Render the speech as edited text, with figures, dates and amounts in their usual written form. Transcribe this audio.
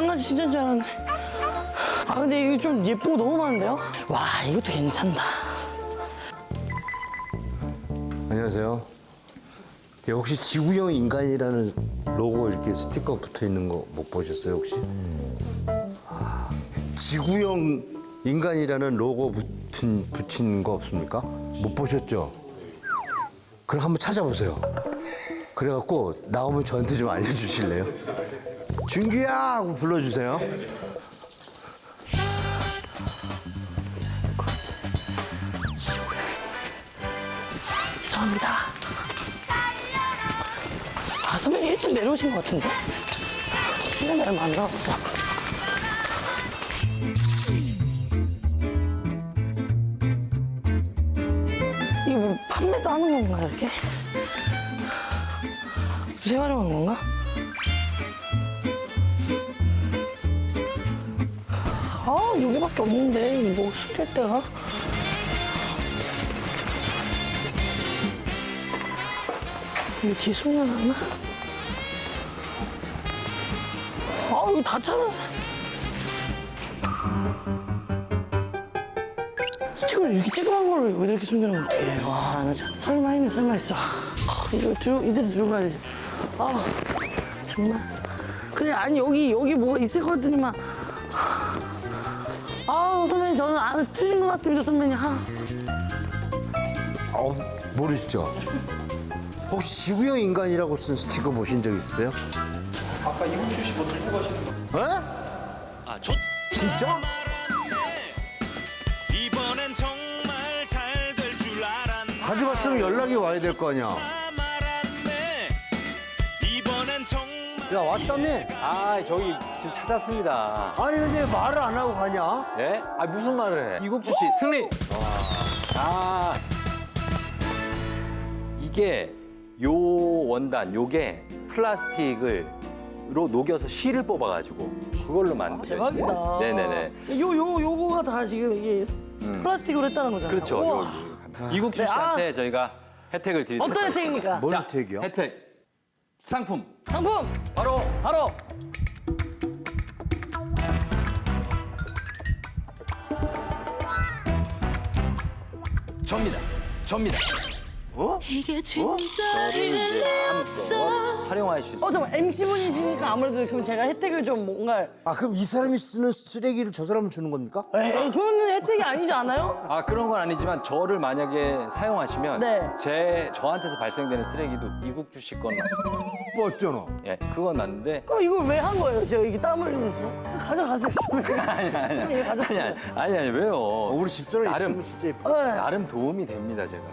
강아지 진짜인 줄 알았네. 아, 근데 이거 좀 예쁜 거 너무 많은데요? 와, 이것도 괜찮다. 안녕하세요. 예, 혹시 지구형 인간이라는 로고 이렇게 스티커 붙어 있는 거 못 보셨어요, 혹시? 아, 지구형 인간이라는 로고 붙인 거 없습니까? 못 보셨죠? 그럼 한번 찾아보세요. 그래갖고 나오면 저한테 좀 알려주실래요? 준규야! 하고 불러주세요. 죄송합니다. 아, 선배님 1층 내려오신 것 같은데? 시간이 얼마 안 남았어. 이거 뭐 판매도 하는 건가, 이렇게? 재활용한 건가? 아, 여기밖에 없는데, 뭐 숨길 데가? 이거 뒤에 숨겨놨나? 아, 이거 다 찾아. 이걸 이렇게 찌그만 걸로 왜 이렇게 숨겨놓으면 어떡해. 와, 나 참, 설마 있네, 설마 있어. 아, 이거 이대로 들어가야지. 아, 정말. 그래, 아니, 여기 뭐가 있을 것 같더니만. 아, 선배님, 저는 틀린 것 같습니다, 선배님. 모르시죠? 혹시 지구형 인간이라고 쓴 스티커 보신 적 있으세요? 아까 이국주 씨 뭐 들고 가시는 거. 에? 아, 좋. 진짜? 이번엔 정말 잘 될 줄 알았네. 가져갔으면 연락이 와야 될 거 아니야. 말았네. 이번엔 정말. 야, 왔다며? 아, 저기 지금 찾았습니다. 아니, 근데 말을 안 하고 가냐? 네? 아, 무슨 말을 해? 이국주 씨, 승리! 아, 이게 요 원단, 요게 플라스틱으로 녹여서 실을 뽑아가지고 그걸로 만든. 대박이다. 네네네. 요거가 다 지금 이게 플라스틱으로 했다는 거잖아요. 그렇죠. 우와. 이국주 네, 씨한테 저희가 혜택을 드리도록 어떤 혜택입니까? 뭔 자, 혜택이요? 혜택. 상품. 상품! 바로 바로! 접니다. 이게 저를 이제 한번 활용하실 수 잠깐만, MC분이시니까 아무래도 그럼 제가 혜택을 좀 뭔가. 아, 그럼 이 사람이 쓰는 쓰레기를 저 사람은 주는 겁니까? 에이, 그거는 혜택이 아니지 않아요? 아, 그런 건 아니지만 저를 만약에 사용하시면 네. 저한테서 발생되는 쓰레기도 이국주 씨 건 맞습니다. 맞잖아. 예, 그건 맞는데 그럼 이걸 왜 한 거예요? 제가 이게 땀 흘리면서? 가져가세요. 아니, 아니 왜요? 우리 집사람 나름 예쁘면 진짜 예뻐. 네. 나름 도움이 됩니다, 제가.